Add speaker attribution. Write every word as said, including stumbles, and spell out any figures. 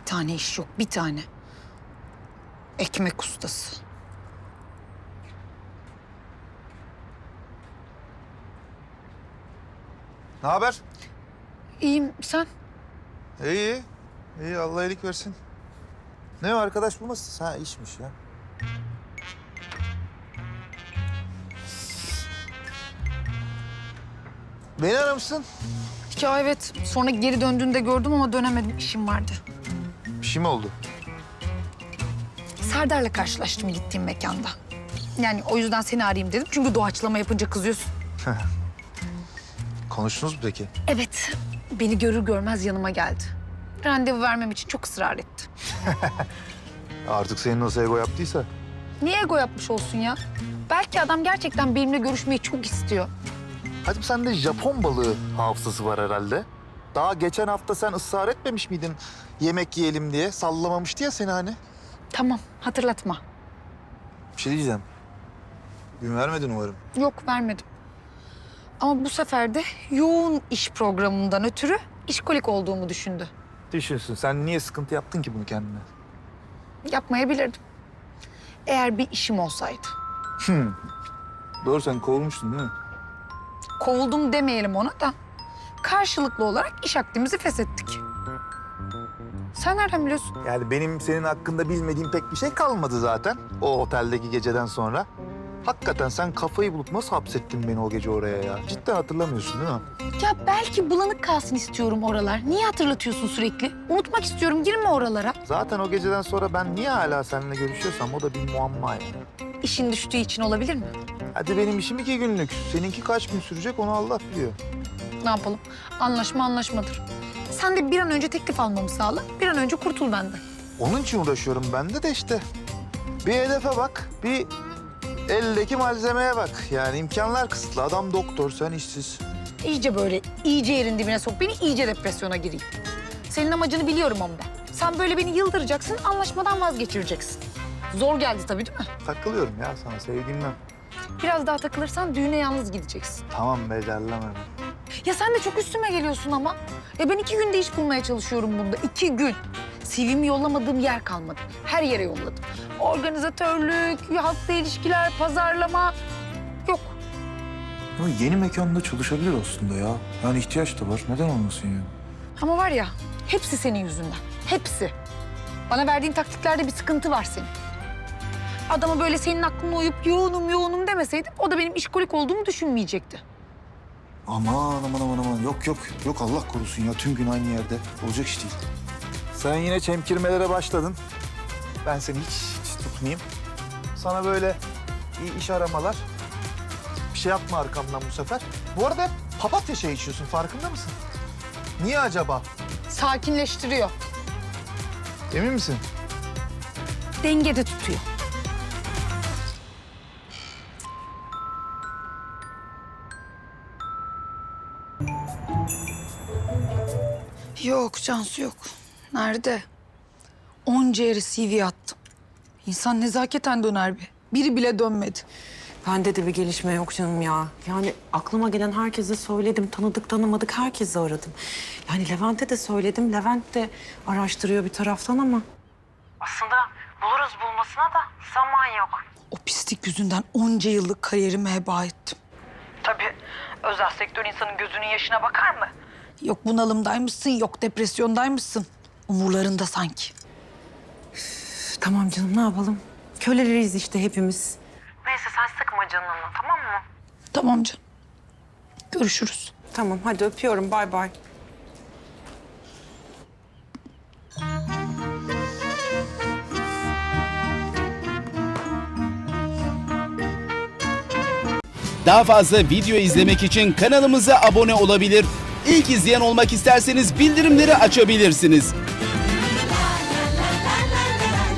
Speaker 1: tane iş yok, bir tane. Ekmek ustası.
Speaker 2: Ne haber?
Speaker 1: İyiyim, sen?
Speaker 2: İyi, iyi. Allah iyilik versin. Ne o, arkadaş bulmasın? Ha, işmiş ya. Beni aramışsın.
Speaker 1: Ya evet, sonra geri döndüğünde gördüm ama dönemedim, işim vardı.
Speaker 2: Bir şey mi oldu?
Speaker 1: Serdar'la karşılaştım gittiğim mekanda. Yani o yüzden seni arayayım dedim. Çünkü doğaçlama yapınca kızıyorsun.
Speaker 2: Konuştunuz mu peki?
Speaker 1: Evet, beni görür görmez yanıma geldi. Randevu vermem için çok ısrar etti.
Speaker 2: Artık senin nasıl ego yaptıysa.
Speaker 1: Niye ego yapmış olsun ya? Belki adam gerçekten benimle görüşmeyi çok istiyor.
Speaker 2: Hadi sende Japon balığı hafızası var herhalde. Daha geçen hafta sen ısrar etmemiş miydin yemek yiyelim diye? Sallamamıştı ya seni hani.
Speaker 1: Tamam, hatırlatma.
Speaker 2: Bir şey diyeceğim. Gün vermedin umarım.
Speaker 1: Yok, vermedim. Ama bu sefer de yoğun iş programından ötürü işkolik olduğumu düşündü.
Speaker 2: Düşünsün. Sen niye sıkıntı yaptın ki bunu kendine?
Speaker 1: Yapmayabilirdim. Eğer bir işim olsaydı.
Speaker 2: Hmm. Doğru, sen kovulmuştun değil mi?
Speaker 1: Kovuldum demeyelim ona da. Karşılıklı olarak iş akdimizi feshettik. Sen nereden biliyorsun?
Speaker 2: Yani benim senin hakkında bilmediğim pek bir şey kalmadı zaten o oteldeki geceden sonra. Hakikaten sen kafayı bulup nasıl hapsettin beni o gece oraya ya? Cidden hatırlamıyorsun değil mi?
Speaker 1: Ya belki bulanık kalsın istiyorum oralar. Niye hatırlatıyorsun sürekli? Unutmak istiyorum, girme oralara.
Speaker 2: Zaten o geceden sonra ben niye hala seninle görüşüyorsam o da bir muamma yani.
Speaker 1: İşin düştüğü için olabilir mi?
Speaker 2: Hadi benim işim iki günlük. Seninki kaç gün sürecek onu Allah biliyor.
Speaker 1: Ne yapalım? Anlaşma anlaşmadır. Sen de bir an önce teklif almamı sağla. Bir an önce kurtul benden.
Speaker 2: Onun için uğraşıyorum ben de de işte. Bir hedefe bak, bir eldeki malzemeye bak. Yani imkanlar kısıtlı. Adam doktor, sen işsiz.
Speaker 1: İyice böyle, iyice yerin dibine sok beni, iyice depresyona gireyim. Senin amacını biliyorum ama ben. Sen böyle beni yıldıracaksın, anlaşmadan vazgeçireceksin. Zor geldi tabii değil mi?
Speaker 2: Takılıyorum ya sana, sevgilimle.
Speaker 1: Biraz daha takılırsan düğüne yalnız gideceksin.
Speaker 2: Tamam be, derleme.
Speaker 1: Ya sen de çok üstüme geliyorsun ama. Ya ben iki günde iş bulmaya çalışıyorum bunda, iki gün. C V'mi yollamadığım yer kalmadı. Her yere yolladım. Organizatörlük, halkla ilişkiler, pazarlama. Yok.
Speaker 2: Ama yeni mekanda çalışabilir aslında ya. Yani ihtiyaç da var. Neden olmasın yani?
Speaker 1: Ama var ya, hepsi senin yüzünden. Hepsi. Bana verdiğin taktiklerde bir sıkıntı var senin. Adama böyle senin aklına uyup yoğunum yoğunum demeseydim o da benim işkolik olduğumu düşünmeyecekti.
Speaker 2: Aman aman aman aman. Yok yok. Yok Allah korusun ya. Tüm gün aynı yerde. Olacak iş değil. Sen yine çemkirmelere başladın. Ben seni hiç, hiç tutmayayım. Sana böyle iyi iş aramalar. Bir şey yapma arkamdan bu sefer. Bu arada hep papatya çayı içiyorsun. Farkında mısın? Niye acaba?
Speaker 1: Sakinleştiriyor.
Speaker 2: Emin misin?
Speaker 1: Dengede tutuyor. Yok Cansu yok. Nerede? Onca yere C V attım. İnsan nezaketen döner bir. Biri bile dönmedi.
Speaker 3: Bende de bir gelişme yok canım ya. Yani aklıma gelen herkese söyledim. Tanıdık tanımadık herkese aradım. Yani Levent'e de söyledim. Levent de araştırıyor bir taraftan ama. Aslında buluruz bulmasına da zaman yok.
Speaker 1: O pislik yüzünden onca yıllık kariyerimi heba ettim.
Speaker 3: Tabii özel sektör insanın gözünün yaşına bakar mı?
Speaker 1: Yok bunalımdaymışsın, yok depresyondaymışsın. Umurlarında sanki.
Speaker 3: Üf, tamam canım ne yapalım? Köleleriyiz işte hepimiz. Neyse sen sıkma canını tamam mı?
Speaker 1: Tamam canım. Görüşürüz.
Speaker 3: Tamam hadi öpüyorum bay bay.
Speaker 4: Daha fazla video izlemek için kanalımıza abone olabilir. İlk izleyen olmak isterseniz bildirimleri açabilirsiniz.